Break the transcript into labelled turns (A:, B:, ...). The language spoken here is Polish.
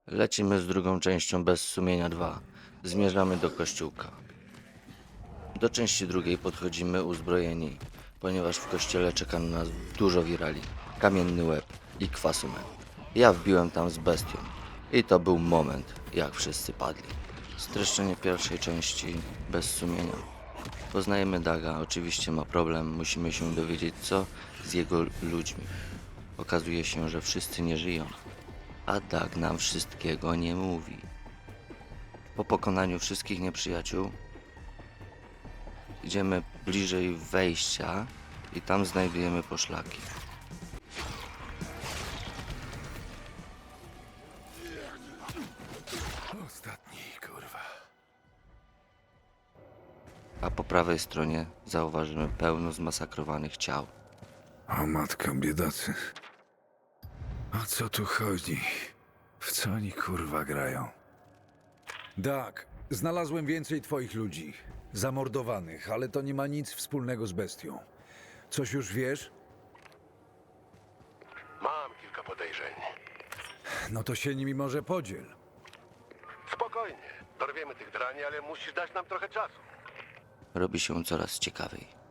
A: Lecimy z drugą częścią Bez Sumienia 2. Zmierzamy do kościółka. Do części drugiej podchodzimy uzbrojeni, ponieważ w kościele czeka na nas dużo wirali, kamienny łeb i kwasumen. Ja wbiłem tam z bestią i to był moment, jak wszyscy padli. Streszczenie pierwszej części Bez Sumienia. Poznajemy Daga, oczywiście ma problem, musimy się dowiedzieć co z jego ludźmi. Okazuje się, że wszyscy nie żyją, a Dag nam wszystkiego nie mówi. Po pokonaniu wszystkich nieprzyjaciół idziemy bliżej wejścia i tam znajdujemy poszlaki.
B: Ostatni, kurwa.
A: A po prawej stronie zauważymy pełno zmasakrowanych ciał.
B: O matko, biedacy. O co tu chodzi? W co oni kurwa grają? Tak, znalazłem więcej twoich ludzi. Zamordowanych, ale to nie ma nic wspólnego z bestią. Coś już wiesz?
C: Mam kilka podejrzeń.
B: No to się nimi może podziel.
C: Spokojnie. Dorwiemy tych drani, ale musisz dać nam trochę czasu.
A: Robi się coraz ciekawiej.